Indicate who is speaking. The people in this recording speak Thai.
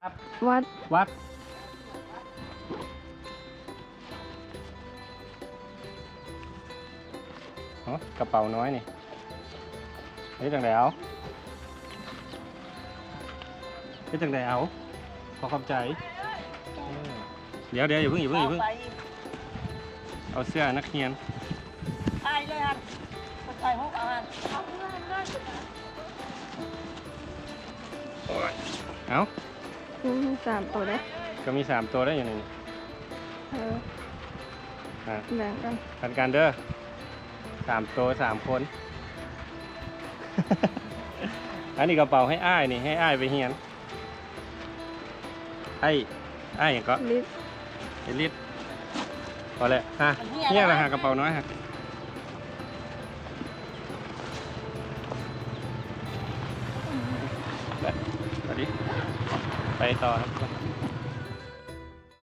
Speaker 1: วัด
Speaker 2: วัดอ๋อกระเป๋าน้อยนี่นี่จังไดเอานี่จังไดเอาขอขอบใจเดี๋ยวอย่าเพิ่งเอาเสื้อนักเรียน
Speaker 3: ใช่เลยฮะใส่หกอาหาร
Speaker 2: เอา
Speaker 1: 3 ตัวได้
Speaker 2: ก็มี3ตัวได้อยู่นี่
Speaker 1: แบ่งกัน
Speaker 2: พันการเด้อ3ตัว3 คน อันนี้กระเป๋าให้อ้ายนี่ให้อ้ายไปเฮียนไอ้อย่างก็
Speaker 1: ลิฟ
Speaker 2: ไอ้ลิดพอแล้วฮะเนี่ยแหละฮะกระเป๋าน้อยฮะไปต่อครับ